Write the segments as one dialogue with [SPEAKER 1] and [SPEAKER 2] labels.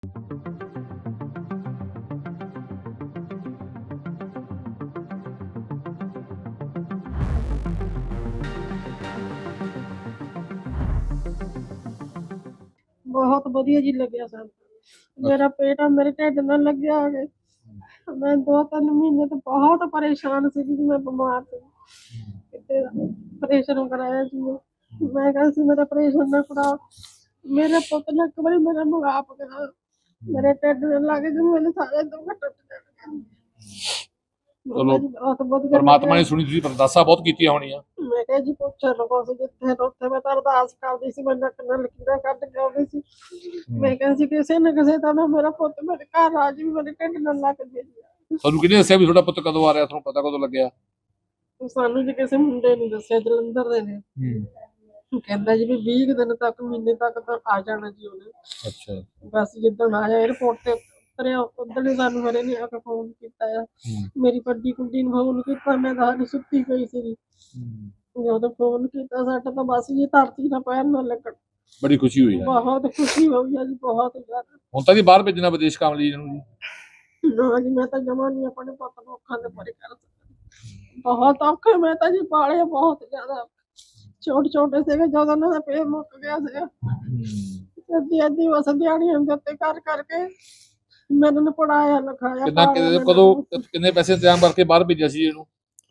[SPEAKER 1] बहुत बढ़िया जी लग्या सर। मेरा पेट मेरे ढिड नाल लग्या है। मैं 2-3 महीने तो बहुत परेशान सी कि मैं बीमार थी। किते ऑपरेशन कराया जी मैं कहा सी मेरा ऑपरेशन ना कराओ। मेरे पुत ने एक बारी मेरा मुगाप करा मेरे ढिड नाल लग गई मेरे सारे दुख टुट गए।
[SPEAKER 2] चलो परमात्मा ने सुनी तुसीं अरदासां बहुत कीतियां होणीਆਂ।
[SPEAKER 1] मैं कहा जी पुੱਛ लको सी जिथे उत्थे मैं तो अरदास करदी सी मैं नक नाल लकीरां कट के आउंदी सी। मैं कहा सी किसे न किसे तरह मेरा पुत मेरे घर आ जी मेरे ढिड नाल लग गई।
[SPEAKER 2] ਤੁਹਾਨੂੰ ਕਿਹਨੇ ਦੱਸਿਆ ਵੀ ਤੁਹਾਡਾ ਪੁੱਤ ਕਦੋਂ ਆ ਰਿਹਾ? ਤੁਹਾਨੂੰ ਪਤਾ ਕਦੋਂ ਲੱਗਿਆ?
[SPEAKER 1] ਸਾਨੂੰ ਜੀ ਕਿਸੇ ਮੁੰਡੇ ਨੇ ਦੱਸਿਆ ਜਲੰਧਰ ਦੇ ਨੇ। ਕਹਿੰਦਾ ਜੀ ਵੀ 20 ਦਿਨ ਤੱਕ ਮਹੀਨੇ ਤੱਕ ਤਾਂ ਆ ਜਾਣਾ ਜੀ ਉਹਨੇ।
[SPEAKER 2] ਅੱਛਾ
[SPEAKER 1] ਬਸ ਜਿੱਦਣ ਆਇਆ 에어ਪੋਰਟ ਤੇ ਉਤਰਿਆ ਉਦੋਂ ਹੀ ਸਾਨੂੰ ਮੇਰੇ ਨੇ ਆ ਕੇ ਫੋਨ ਕੀਤਾ ਆ। ਮੇਰੀ ਵੱਡੀ ਕੁੜੀ ਨੂੰ ਫੋਨ ਕੀਤਾ ਮੈਂ ਤਾਂ ਸੁੱਤੀ ਪਈ ਸੀ। ਜਦੋਂ ਫੋਨ ਕੀਤਾ ਸਾਡਾ ਤਾਂ ਬਸ ਜੀ ਧਰਤੀ ਨਾਲ ਪੈਰ ਨਾ ਲੱਗਣ।
[SPEAKER 2] ਬੜੀ ਖੁਸ਼ੀ ਹੋਈ ਹੈ।
[SPEAKER 1] ਬਹੁਤ ਖੁਸ਼ੀ ਹੋਈ ਆ ਜੀ ਬਹੁਤ ਜ਼ਿਆਦਾ।
[SPEAKER 2] ਹੁਣ ਤਾਂ ਜੀ ਬਾਹਰ ਭੇਜਣਾ ਵਿਦੇਸ਼ ਕੰਮ ਲਈ ਇਹਨੂੰ ਜੀ?
[SPEAKER 1] ਨਾ ਜੀ ਮੈਂ ਤਾਂ ਜਮਾ ਨਹੀਂ ਆਪਣੇ ਪੁੱਤ ਨੂੰ ਅੱਖਾਂ ਦੇ ਪਰੇ ਕਰ ਸਕਦੀ। ਬਹੁਤ ਔਖੇ ਮੈਂ ਤਾਂ ਜੀ ਪਾਲੇ ਬਹੁਤ ਜ਼ਿਆਦਾ ਛੋਟੇ ਛੋਟੇ ਸੀਗੇ ਜਦੋਂ ਉਹਨਾਂ ਦਾ ਪੇਟ ਮੁੱਕ ਗਿਆ ਸੀਗਾ। ਅੱਧੀ ਬਸ ਦਿਹਾੜੀਆਂ ਦੇ ਉੱਤੇ ਕਰ ਕਰਕੇ ਮੈਂ ਇਹਨਾਂ ਨੂੰ ਪੜਾਇਆ ਲਿਖਾਇਆ।
[SPEAKER 2] ਕਿੰਨੇ ਪੈਸੇ ਇੰਤਜ਼ਾਮ ਕਰਕੇ ਬਾਹਰ ਭੇਜਿਆ ਸੀ ਇਹਨੂੰ?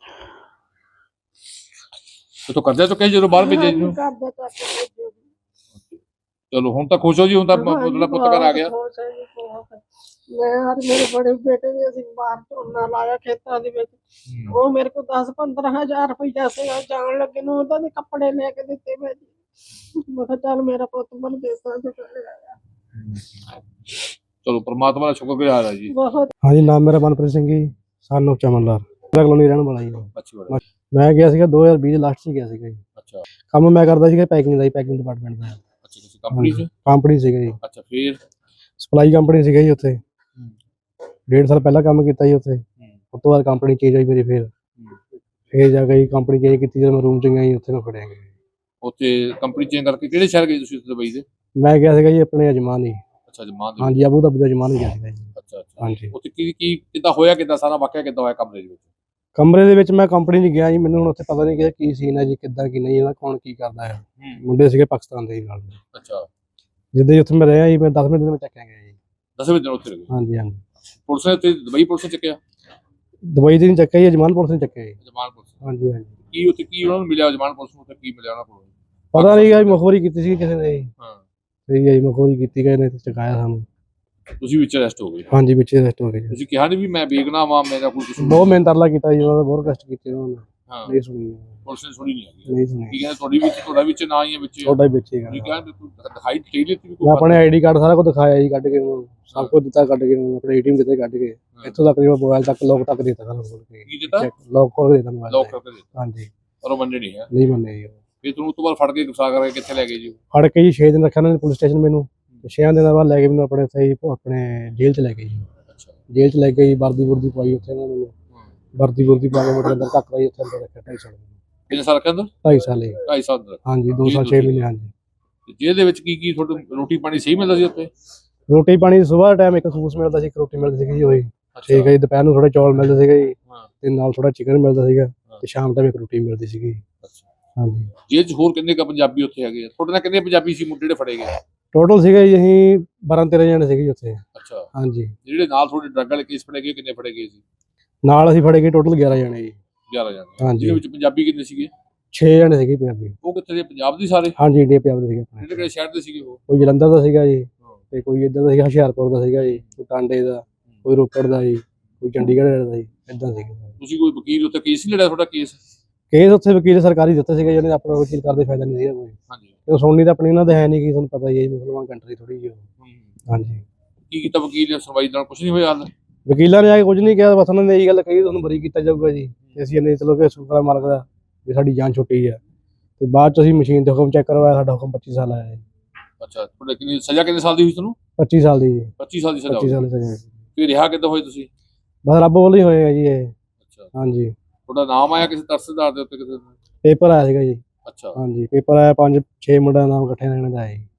[SPEAKER 2] ਤੋ ਕਰਜ਼ਾ ਚੁੱਕਿਆ ਜਦੋਂ ਬਾਹਰ ਭੇਜਿਆ ਜੀ? ਚਲੋ ਹੁਣ ਤਾਂ ਖੁਸ਼ ਹੋ ਜੀ? ਹੁਣ ਤਾਂ ਤੁਹਾਡਾ ਪੁੱਤ ਘਰ ਆ ਗਿਆ?
[SPEAKER 1] ਮੈਂ ਹਰ ਮੇਰੇ ਬੜੇ ਬੇਟੇ ਨੇ ਅਸੀਂ ਬਾਹਰ ਝੋਨਾ ਲਾਇਆ ਖੇਤਾਂ ਦੇ ਵਿੱਚ। ਉਹ ਮੇਰੇ ਕੋਲ 10-15 ਹਜ਼ਾਰ ਰੁਪਈਆ ਸੀਗਾ ਜਾਣ ਲੱਗੇ ਨੂੰ ਉਹਦਾ ਦੇ ਕੱਪੜੇ ਲੈ ਕੇ ਦਿੱਤੇ ਮੈਂ ਜੀ। ਮੈਂ ਕਿਹਾ ਚੱਲ ਮੇਰਾ ਪੁੱਤ ਮਨ ਦੇਸਾਂ ਚ ਚਲੇ ਆਇਆ।
[SPEAKER 2] ਚਲੋ परमात्मा ਦਾ ਸ਼ੁਕਰਗੁਜ਼ਾਰ ਹੈ ਜੀ।
[SPEAKER 3] हाँ जी नाम मेरा Manpreet Singh ji son of Chaman Lal colony रहने वाला जी।
[SPEAKER 2] ਅੱਛਾ
[SPEAKER 3] मैं गया सीगा 2020 लास्ट च गया सीगा जी।
[SPEAKER 2] ਅੱਛਾ
[SPEAKER 3] काम मैं करदा सीगा पैकिंग ਦਾ ਪੈਕਿੰਗ ਡਿਪਾਰਟਮੈਂਟ ਦਾ।
[SPEAKER 2] ਅੱਛਾ ਕਿਸੇ ਕੰਪਨੀ ਚ?
[SPEAKER 3] ਕੰਪਨੀ ਸੀਗਾ ਜੀ।
[SPEAKER 2] ਅੱਛਾ ਫਿਰ?
[SPEAKER 3] ਸਪਲਾਈ ਕੰਪਨੀ ਸੀਗਾ ਜੀ ਉੱਥੇ। 1.5 ਸਾਲ ਪਹਿਲਾਂ ਕੰਮ ਕੀਤਾ ਜੀ ਉੱਥੇ। ਉਸ ਤੋਂ ਬਾਅਦ ਕੰਪਨੀ ਚੇਂਜ ਹੋਈ ਮੇਰੀ ਫਿਰ ਜਾ ਕੇ ਕੰਪਨੀ ਚੇਂਜ ਕੀਤੀ ਜਦੋਂ ਮੈਂ ਰੂਮ ਚ ਗਿਆ ਜੀ ਉੱਥੇ ਮੈਂ ਫੜਿਆ ਗਿਆ।
[SPEAKER 2] ਉੱਥੇ ਕੰਪਨੀ ਚੇਂਜ ਕਰਕੇ ਕਿਹੜੇ ਸ਼ਹਿਰ ਗਏ ਤੁਸੀਂ ਦੁਬਈ ਦੇ?
[SPEAKER 3] ਮੈਂ ਗਿਆ ਸੀਗਾ ਜੀ ਆਪਣੇ ਅਜਮਾਨ ਹੀ।
[SPEAKER 2] ਅੱਛਾ ਅਜਮਾਨ ਦੇ?
[SPEAKER 3] ਹਾਂਜੀ ਅਬੂ ਧਾਬੀ ਦਾ ਅਜਮਾਨ ਗਿਆ ਸੀਗਾ ਜੀ।
[SPEAKER 2] ਅੱਛਾ ਅੱਛਾ
[SPEAKER 3] ਹਾਂਜੀ।
[SPEAKER 2] ਉੱਥੇ ਕੀ ਕਿੱਦਾਂ ਹੋਇਆ, ਕਿੱਦਾਂ ਸਾਰਾ ਵਾਕਿਆ ਕਿੱਦਾਂ ਹੋਇਆ ਕਮਰੇ ਦੇ ਵਿੱਚ?
[SPEAKER 3] ਕਮਰੇ ਦੇ ਵਿੱਚ ਮੈਂ ਕੰਪਨੀ 'ਚ ਗਿਆ ਜੀ। ਮੈਨੂੰ ਹੁਣ ਉੱਥੇ ਪਤਾ ਨਹੀਂ ਕਿ ਕੀ ਸੀਨ ਹੈ ਜੀ, ਕਿੱਦਾਂ ਕੀ ਨਹੀਂ ਇਹਦਾ, ਕੌਣ ਕੀ ਕਰਦਾ ਹੈ। ਮੁੰਡੇ ਸੀਗੇ ਪਾਕਿਸਤਾਨ ਦੇ ਨਾਲ।
[SPEAKER 2] ਅੱਛਾ
[SPEAKER 3] ਜਿੱਦਾਂ ਹੀ ਉੱਥੇ ਮੈਂ ਰਿਹਾ ਜੀ ਮੈਂ 10 ਮਿੰਟ ਦੇ ਵਿੱਚ ਚੱਕਿਆ ਗਿਆ ਜੀ।
[SPEAKER 2] 10ਵੇਂ ਦਿਨ ਉੱਥੇ ਰਹੇ?
[SPEAKER 3] ਹਾਂਜੀ ਹਾਂਜੀ।
[SPEAKER 2] ਪੁਲਿਸ ਨੇ ਉੱਥੇ ਦੁਬਈ ਪੁਲਿਸ ਨੇ ਚੱਕਿਆ?
[SPEAKER 3] ਦੁਬਈ ਦੇ ਨਹੀਂ ਚੱਕਿਆ ਜੀ, ਅਜਮਾਨ ਪੁਲਿਸ ਨੇ ਚੱਕਿਆ ਜੀ।
[SPEAKER 2] Ajman police?
[SPEAKER 3] ਹਾਂਜੀ ਹਾਂਜੀ।
[SPEAKER 2] ਕੀ ਉੱਥੇ ਕੀ ਉਹਨਾਂ ਨੂੰ ਮਿਲਿਆ ਅਜਮਾਨ ਪੁਲਿਸ ਨੂੰ? ਉੱਥੇ ਕੀ ਮਿਲਿਆ ਉਹਨਾਂ ਕੋਲ?
[SPEAKER 3] ਪਤਾ ਨਹੀਂ ਗਾ, ਮਖੌਰੀ ਕੀਤੀ ਸੀ ਕਿਸੇ ਨੇ ਜੀ।
[SPEAKER 2] ਹਾਂ
[SPEAKER 3] ਸਹੀ ਹੈ ਜੀ, ਮਖੌਰੀ ਕੀਤੀ ਗਏ ਨੇ ਤੇ ਚਕਾਇਆ ਸਾਨੂੰ।
[SPEAKER 2] ਤੁਸੀਂ ਵਿੱਚ ਅਰੈਸਟ ਹੋ ਗਏ?
[SPEAKER 3] ਹਾਂਜੀ ਵਿੱਚ ਅਰੈਸਟ ਹੋ ਗਏ ਜੀ।
[SPEAKER 2] ਤੁਸੀਂ ਕਿਹਾ ਨਹੀਂ ਵੀ ਮੈਂ ਬੇਗੁਨਾਹ ਵਾਂ, ਮੇਰਾ ਕੋਈ ਕਸੂਰ?
[SPEAKER 3] ਬਹੁਤ ਮਿਹਨਤ ਤਰਲਾ ਕੀਤਾ ਜੀ ਉਹਨਾਂ ਦਾ, ਬਹੁਤ ਕਸ਼ਟ ਕੀਤੇ ਉਹਨਾਂ ਨੇ।
[SPEAKER 2] ਹਾਂ
[SPEAKER 3] ਨਹੀਂ ਸੁਣੀ
[SPEAKER 2] ਪੁਲਿਸ ਨੇ ਸੁਣੀ ਨਹੀਂ ਹੈਗੀ?
[SPEAKER 3] ਨਹੀਂ ਸੁਣੀ।
[SPEAKER 2] ਕੀ ਕਹਿੰਦੇ ਤੁਹਾਡਾ ਵਿੱਚ ਨਾ ਹੀ ਹੈ ਵਿੱਚ?
[SPEAKER 3] ਤੁਹਾਡਾ ਹੀ ਵਿੱਚ ਹੀ
[SPEAKER 2] ਤੁਸੀਂ ਕਹਿੰਦੇ ਦਿਖਾਈ ਦੇ ਦਿੱਤੀ ਵੀ
[SPEAKER 3] ਮੈਂ ਆਪਣੇ ਆਈਡੀ ਕਾਰਡ ਸਾਰਾ ਕੁਝ ਦਿਖਾਇਆ ਜੀ, ਕੱਢ ਕੇ ਉਹਨੂੰ ਸਭ ਕੁਝ ਦਿੱਤਾ, ਕੱਢ ਕੇ ਉਹਨੂੰ ਆਪਣੇ ਏਟੀਐਮ ਦਿੱਤੇ ਕੱਢ ਕੇ। ਇੱਥੋਂ ਤੱਕ ਮੋਬਾਈਲ ਤੱਕ ਲੋਕ ਤੱਕ ਦਿੱਤਾ ਸਾਰਾ ਖੋਲ ਕੇ।
[SPEAKER 2] ਕੀ ਦਿੱਤਾ?
[SPEAKER 3] ਲੋਕ ਖੋਲ ਕੇ ਦਿੱਤਾ ਮੋਬਾਈਲ।
[SPEAKER 2] ਲੋਕ ਕਰਕੇ ਦਿੱਤਾ?
[SPEAKER 3] ਹਾਂਜੀ।
[SPEAKER 2] ਪਰ ਉਹ ਮੰਨੇ ਨਹੀਂ ਹੈ?
[SPEAKER 3] ਨਹੀਂ ਮੰਨੇ ਜੀ।
[SPEAKER 2] ਫਿਰ ਤੁਹਾਨੂੰ ਉਸ ਤੋਂ ਬਾਅਦ ਫੜ ਕੇ ਗੁਸਾ ਕਰਕੇ ਕਿੱਥੇ ਲੈ ਗਏ ਜੀ?
[SPEAKER 3] ਫੜ ਕੇ ਜੀ 6 ਦਿਨ ਰੱਖਿਆ ਉਹਨਾਂ ਨੇ ਪੁਲਿਸ ਸਟੇਸ਼ਨ ਮੈਨੂੰ। 6 ਦਿਨਾਂ ਬਾਅਦ ਲੈ ਕੇ ਮੈਨੂੰ ਆਪਣੇ ਸਹੀ ਆਪਣੇ ਜੇਲ੍ਹ 'ਚ ਲੈ ਗਏ ਜੀ।
[SPEAKER 2] ਅੱਛਾ
[SPEAKER 3] ਜੇਲ੍ਹ 'ਚ ਲੈ ਕੇ ਜੀ ਵਰਦੀ ਵੁਰਦੀ ਪਵਾਈ ਉੱਥੇ ਉਹਨਾਂ ਨੇ। ਵਰਦੀ ਵੁਰਦੀ ਪਾ ਕੇ ਮੇਰੇ ਅੰਦਰ ਧੱਕ ਲਾਈ, ਉੱਥੇ ਅੰਦਰ ਰੱਖਿਆ 2.5 ਸਾਲ।
[SPEAKER 2] ਕਿੰਨੇ ਸਾਲ ਰੱਖਿਆ ਅੰਦਰ?
[SPEAKER 3] 2.5 ਸਾਲ ਜੀ।
[SPEAKER 2] 2.5 ਸਾਲ ਅੰਦਰ?
[SPEAKER 3] ਹਾਂਜੀ 2 ਸਾਲ 6 ਮਹੀਨੇ। ਹਾਂਜੀ।
[SPEAKER 2] ਜੇਲ੍ਹ ਦੇ ਵਿੱਚ ਕੀ ਤੁਹਾਨੂੰ ਰੋਟੀ ਪਾਣੀ ਸਹੀ ਮਿਲਦਾ ਸੀ ਉੱਥੇ?
[SPEAKER 3] ਰੋਟੀ ਪਾਣੀ ਸਵੇਰ ਟਾਈਮ ਇੱਕ ਖੂਸ ਮਿਲਦਾ ਸੀ, ਇੱਕ ਰੋਟੀ ਮਿਲਦੀ ਸੀਗੀ ਜੀ ਉਹੀ। ਠੀਕ ਹੈ ਜੀ। ਦੁਪਹਿਰ ਨੂੰ ਥੋੜੇ ਚੌਲ ਮਿਲਦੇ ਸੀਗੇ ਜੀ ਤੇ ਨਾਲ ਥੋੜਾ ਚਿਕਨ ਮਿਲਦਾ ਸੀਗਾ ਤੇ ਸ਼ਾਮ ਟਾਈਮ ਇੱਕ ਰੋਟੀ ਮਿਲਦੀ ਸੀਗੀ। ਹਾਂਜੀ।
[SPEAKER 2] ਜੇਲ੍ਹ 'ਚ ਹੋਰ ਕਿੰਨੇ ਕ ਪੰਜਾਬੀ ਉੱਥੇ ਹੈਗੇ? ਤੁਹਾਡੇ ਨਾਲ ਕਿੰਨੇ ਪੰਜਾਬੀ ਸੀ ਮੁੰਡੇ ਜਿਹੜੇ ਫੜੇ ਗਏ?
[SPEAKER 3] ਟੋਟਲ ਸੀਗੇ ਜੀ ਅਸੀਂ 12-13 ਜਣੇ ਸੀਗੇ ਜੀ ਉੱਥੇ।
[SPEAKER 2] ਅੱਛਾ।
[SPEAKER 3] ਹਾਂਜੀ।
[SPEAKER 2] ਜਿਹੜੇ ਨਾਲ ਤੁਹਾਡੇ ਡਰੱਗ ਵਾਲੇ ਕੇਸ ਫੜੇ ਗਏ ਕਿੰਨੇ ਫੜੇ ਗਏ ਸੀ?
[SPEAKER 3] ਨਾਲ ਅਸੀਂ ਫੜੇ ਗਏ ਟੋਟਲ 11 ਜਣੇ ਜੀ।
[SPEAKER 2] 11 ਜਣੇ?
[SPEAKER 3] ਹਾਂਜੀ।
[SPEAKER 2] ਜਿਹਦੇ ਵਿੱਚ ਪੰਜਾਬੀ ਕਿੰਨੇ ਸੀਗੇ?
[SPEAKER 3] 6 ਜਣੇ ਸੀਗੇ ਪੰਜਾਬੀ।
[SPEAKER 2] ਉਹ ਕਿੱਥੇ ਦੇ? ਪੰਜਾਬ ਦੇ ਸਾਰੇ?
[SPEAKER 3] ਹਾਂਜੀ ਇੰਡੀਆ ਪੰਜਾਬ ਦੇ ਸੀਗੇ।
[SPEAKER 2] ਕਿਹੜੇ ਕਿਹੜੇ ਸ਼ਹਿਰ ਦੇ ਸੀਗੇ ਉਹ?
[SPEAKER 3] ਕੋਈ ਜਲੰਧਰ ਦਾ ਸੀਗਾ ਜੀ ਤੇ ਕੋਈ ਇੱਧਰ ਦਾ ਸੀਗਾ ਹੁਸ਼ਿਆਰਪੁਰ ਦਾ ਸੀਗਾ ਜੀ, ਕੋਈ ਟਾਂਡੇ ਦਾ, ਕੋਈ ਰੋਪੜ ਦਾ ਜੀ, ਕੋਈ ਚੰਡੀਗੜ੍ਹ ਦਾ ਜੀ, ਇੱਦਾਂ ਸੀਗਾ।
[SPEAKER 2] ਤੁਸੀਂ ਕੋਈ ਵਕੀਲ ਉੱਥੇ ਕੇਸ ਨਹੀਂ ਲੜਿਆ ਤੁਹਾਡਾ? ਕੇਸ
[SPEAKER 3] ਉੱਥੇ ਵਕੀਲ ਸਰਕਾਰੀ ਦਿੱਤੇ ਸੀਗੇ ਜਿਹਨੇ ਆਪਣਾ ਵਕੀਲ ਕਰਦੇ ਫਾਇਦਾ ਨਹੀਂ ਸੀਗਾ ਕੋਈ।
[SPEAKER 2] ਹਾਂਜੀ।
[SPEAKER 3] ਤੇ ਸੁਣਨੀ ਤਾਂ ਆਪਣੀ ਉਹਨਾਂ ਦੇ ਹੈ ਨਹੀਂ ਕਿ ਤੁਹਾਨੂੰ ਪਤਾ ਹੀ ਹੈ ਜੀ, ਮੁਸਲਮਾਨ ਕੰਟਰੀ ਥੋੜੀ ਜਿਹੀ। ਹਾਂਜੀ।
[SPEAKER 2] ਕੀ ਕੀਤਾ ਵਕੀਲ ਨੇ? ਸੁਣਵਾਈ ਨਾਲ ਕੁਝ ਨਹੀਂ ਹੋਇਆ?
[SPEAKER 3] ਵਕੀਲਾਂ ਨੇ ਆ ਕੇ ਕੁਝ ਨਹੀਂ ਕਿਹਾ, ਬਸ ਉਹਨਾਂ ਨੇ ਇਹੀ ਗੱਲ ਕਹੀ ਤੁਹਾਨੂੰ ਬਰੀ ਕੀਤਾ ਜਾਊਗਾ ਜੀ। ਤੇ ਅਸੀਂ ਇਹਨੇ ਚਲੋ ਕਿ ਸ਼ੁਕਰ ਮਾਲਕ ਦਾ ਵੀ ਸਾਡੀ ਜਾਨ ਛੁੱਟੀ ਆ। ਤੇ ਬਾਅਦ ਚ ਅਸੀਂ ਮਸ਼ੀਨ ਤੇ ਹੁਕਮ ਚੈੱਕ ਕਰਵਾਇਆ, ਸਾਡਾ ਹੁਕਮ 25 ਸਾਲ ਆਇਆ ਜੀ।
[SPEAKER 2] ਅੱਛਾ। ਤੁਹਾਡੇ ਕਿੰਨੀ ਸਜ਼ਾ ਕਿੰਨੇ ਸਾਲ ਦੀ ਹੋਈ ਤੁਹਾਨੂੰ?
[SPEAKER 3] 25 ਸਾਲ ਦੀ ਜੀ।
[SPEAKER 2] 25 ਸਾਲ ਦੀ ਸਜ਼ਾ?
[SPEAKER 3] 25 ਸਾਲ ਦੀ ਸਜ਼ਾ।
[SPEAKER 2] ਫਿਰ ਰਿਹਾ ਕਿੱਦਾਂ ਹੋਏ ਤੁਸੀਂ?
[SPEAKER 3] ਬਸ ਰੱਬ ਵੱਲੋਂ ਹੀ ਹੋਏ ਆ ਜੀ ਇਹ।
[SPEAKER 2] ਅੱਛਾ।
[SPEAKER 3] ਹਾਂਜੀ।
[SPEAKER 2] ਤੁਹਾਡਾ ਨਾਮ ਆਇਆ ਕਿਸੇ ਤਰਸਦਾਰ ਦੇ ਉੱਤੇ ਕਿਸੇ?
[SPEAKER 3] ਪੇਪਰ ਆਇਆ ਸੀਗਾ ਜੀ।
[SPEAKER 2] ਅੱਛਾ।
[SPEAKER 3] ਹਾਂਜੀ ਪੇਪਰ ਆਇਆ, 5-6 ਮੁੰਡਿਆਂ ਦਾ ਨਾਮ ਇਕੱਠੇ ਰਹਿਣ ਦਾ ਆਇਆ ਜੀ।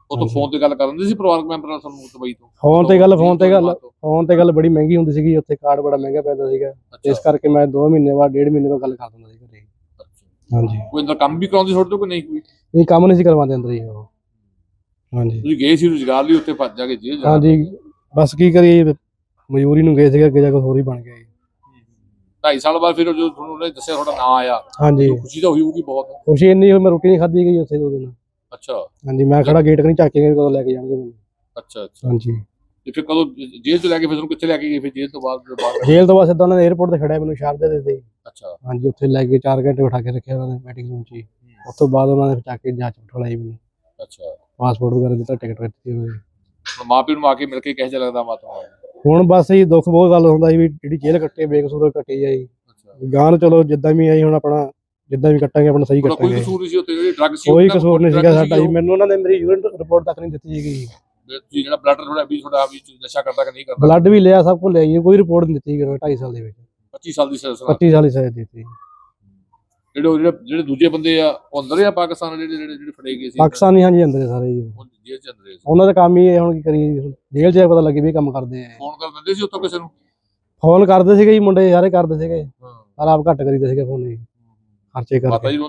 [SPEAKER 2] ਉਹ ਤੋਂ ਫੋਨ ਤੇ ਗੱਲ ਕਰ ਦਿੰਦੇ ਸੀ ਪਰਿਵਾਰਕ ਮੈਂਬਰ ਨਾਲ ਤੁਹਾਨੂੰ ਦੁਬਈ ਤੋਂ?
[SPEAKER 3] ਫੋਨ ਤੇ ਗੱਲ ਬੜੀ ਮਹਿੰਗੀ ਹੁੰਦੀ ਸੀਗੀ ਉੱਥੇ, ਕਾਰਡ ਬੜਾ ਮਹਿੰਗਾ ਪੈਂਦਾ ਸੀਗਾ, ਇਸ ਕਰਕੇ ਮੈਂ 2 ਮਹੀਨੇ ਬਾਅਦ 1.5 ਮਹੀਨੇ ਬਾਅਦ ਗੱਲ ਕਰ ਦਿੰਦਾ ਸੀ ਘਰੇ। ਹਾਂਜੀ।
[SPEAKER 2] ਕੋਈ ਅੰਦਰ ਕੰਮ ਵੀ ਕਰਾਉਂਦੀ ਤੁਹਾਡੇ ਤੋਂ ਕਿ ਨਹੀਂ? ਕੋਈ
[SPEAKER 3] ਨਹੀਂ, ਕੰਮ ਨਹੀਂ ਸੀ ਕਰਵਾਉਂਦੇ ਅੰਦਰ ਹੀ ਉਹ। ਹਾਂਜੀ।
[SPEAKER 2] ਤੁਸੀਂ ਗਏ ਸੀ ਰੁਜ਼ਗਾਰ ਲਈ ਉੱਥੇ, ਭੱਜ ਜਾ ਕੇ ਜੇਲ੍ਹ ਜਾਣਾ?
[SPEAKER 3] ਹਾਂਜੀ, ਬਸ ਕੀ ਕਰੀਏ, ਮਜ਼ਦੂਰੀ ਨੂੰ ਗਏ ਸੀਗੇ, ਅੱਗੇ ਜਾ ਕੇ ਹੋਰ ਹੀ ਬਣ ਗਿਆ ਜੀ।
[SPEAKER 2] 2.5 ਸਾਲ ਬਾਅਦ ਫਿਰ ਜਦੋਂ ਤੁਹਾਨੂੰ ਉਹਨੇ ਦੱਸਿਆ ਤੁਹਾਡਾ ਨਾਂ ਆਇਆ,
[SPEAKER 3] ਹਾਂਜੀ,
[SPEAKER 2] ਖੁਸ਼ੀ ਤਾਂ ਹੋਈ ਹੋਊਗੀ ਬਹੁਤ?
[SPEAKER 3] ਖੁਸ਼ੀ ਇੰਨੀ ਹੋਈ, ਮੈਂ ਰੋਟੀ ਨਹੀਂ ਖਾਧੀ ਗਈ ਉੱਥੇ 2 ਦਿਨ।
[SPEAKER 2] ਅੱਛਾ।
[SPEAKER 3] ਹਾਂਜੀ, ਮੈਂ ਖੜਾ ਗੇਟ ਕਨੀ ਝਾਕ ਕੇ ਕਦੋਂ ਲੈ ਕੇ ਜਾਣਗੇ ਮੈਨੂੰ।
[SPEAKER 2] ਅੱਛਾ ਅੱਛਾ।
[SPEAKER 3] ਹਾਂਜੀ।
[SPEAKER 2] ਤੇ ਫਿਰ ਕਦੋਂ ਜੇਲ੍ਹ ਤੋਂ ਲੈ ਕੇ ਫਿਰ ਤੁਹਾਨੂੰ ਕਿੱਥੇ ਲੈ ਕੇ ਗਏ ਫਿਰ ਜੇਲ੍ਹ ਤੋਂ ਬਾਅਦ?
[SPEAKER 3] ਜੇਲ੍ਹ ਤੋਂ ਬਾਅਦ ਸਿੱਧਾ ਉਹਨਾਂ ਨੇ 에어ਪੋਰਟ ਤੇ ਖੜਿਆ ਮੈਨੂੰ ਸ਼ਾਰਜਾ ਦੇ ਦਿੱਤੇ।
[SPEAKER 2] ਅੱਛਾ।
[SPEAKER 3] ਹਾਂਜੀ, ਉੱਥੇ ਲੈ ਕੇ 4 ਘੰਟੇ ਬਿਠਾ ਕੇ ਰੱਖਿਆ ਉਹਨਾਂ ਨੇ ਮੀਟਿੰਗ ਰੂਮ 'ਚ ਹੀ। ਉਸ ਤੋਂ ਬਾਅਦ ਉਹਨਾਂ ਨੇ ਚੱਕ ਕੇ ਜਾਂਚ ਬਿਠਾਈ ਮੈਨੂੰ,
[SPEAKER 2] ਅੱਛਾ।
[SPEAKER 3] ਪਾਸਪੋਰਟ ਵਗੈਰਾ ਦਿੱਤਾ, ਟਿਕਟ ਦਿੱਤੀ ਉਹਨਾਂ ਨੇ।
[SPEAKER 2] ਹੁਣ ਮਾਂ ਪਿਓ ਨੂੰ ਆ ਕੇ ਮਿਲ ਕੇ ਕਿਹੋ ਜਿਹਾ ਲੱਗਦਾ ਮਾਤਾ?
[SPEAKER 3] ਹੁਣ ਬਸ ਜੀ ਦੁੱਖ ਬਹੁਤ ਗੱਲ ਹੁੰਦਾ ਸੀ ਵੀ ਜਿਹੜੀ ਜੇਲ੍ਹ ਕੱਟੇ ਬੇਕਸੂਰ ਕੱਟੀ ਜਾਈ।
[SPEAKER 2] ਅੱਛਾ।
[SPEAKER 3] ਗਾਂ ਨੂੰ ਚਲੋ ਜਿੱਦਾਂ ਵੀ ਆਈ, ਹੁਣ ਆਪਣਾ ਜਿੱਦਾਂ ਵੀ ਕੱਟਾਂਗੇ ਆਪਣਾ ਸਹੀ
[SPEAKER 2] ਕੋਈ
[SPEAKER 3] ਕੱਟਾਂਗੇ।
[SPEAKER 2] ਕਸੂਰ ਨਹੀਂ ਸੀ ਉੱਥੇ? ਜਿਹੜੀ ਡਰੱਗ ਸੀ
[SPEAKER 3] ਕੋਈ ਕਸੂਰ ਨਹੀਂ ਸੀਗਾ ਸਾਡਾ ਜੀ, ਮੈਨੂੰ ਉਹਨਾਂ ਨੇ ਮੇਰੀ ਯੂਰਿਨ ਰਿਪੋਰਟ ਤੱਕ ਨਹੀਂ ਦਿੱਤੀ ਸੀਗੀ।
[SPEAKER 2] ਤੁਸੀਂ ਜਿਹੜਾ ਬਲੱਡ ਤੁਹਾਡਾ ਵੀ ਨਸ਼ਾ ਕਰਦਾ ਕਿ ਨਹੀਂ ਕਰਦਾ?
[SPEAKER 3] ਬਲੱਡ ਵੀ ਲਿਆ, ਸਭ ਕੁਝ ਲਿਆ ਜੀ, ਕੋਈ ਰਿਪੋਰਟ ਨਹੀਂ ਦਿੱਤੀ 2.5 ਸਾਲ ਦੇ ਵਿੱਚ।
[SPEAKER 2] 25 ਸਾਲ ਦੀ ਸਜ਼ਾ?
[SPEAKER 3] 25 ਸਾਲ ਦੀ ਸਜ਼ਾ ਦਿੱਤੀ।
[SPEAKER 2] ਜਿਹੜੇ ਦੂਜੇ ਬੰਦੇ ਆ ਉਹ ਅੰਦਰ ਆ ਪਾਕਿਸਤਾਨ, ਜਿਹੜੇ ਫੜੇ ਗਏ ਸੀ
[SPEAKER 3] ਪਾਕਿਸਤਾਨੀ? ਹਾਂਜੀ, ਅੰਦਰ ਸਾਰੇ ਜੀ,
[SPEAKER 2] ਉਹ ਜੇਲ੍ਹ ਚ ਅੰਦਰ ਸੀ।
[SPEAKER 3] ਉਹਨਾਂ ਦਾ ਕੰਮ ਹੀ ਇਹ, ਹੁਣ ਕੀ ਕਰੀਏ, ਜੇਲ੍ਹ 'ਚ ਪਤਾ ਲੱਗੇ ਵੀ ਕੰਮ ਕਰਦੇ ਆ।
[SPEAKER 2] ਫੋਨ ਕਰ ਦਿੰਦੇ ਸੀ ਉੱਥੋਂ ਕਿਸੇ ਨੂੰ?
[SPEAKER 3] ਫੋਨ ਕਰਦੇ ਸੀਗੇ ਜੀ, ਮੁੰਡੇ ਸਾਰੇ ਕਰਦੇ ਸੀਗੇ,
[SPEAKER 2] ਹਾਂ।
[SPEAKER 3] ਪਰ ਆਪ ਘੱਟ ਕਰੀਦੇ ਸੀਗੇ ਫੋਨ ਜੀ, ਖਰਚੇ ਕਰਕੇ।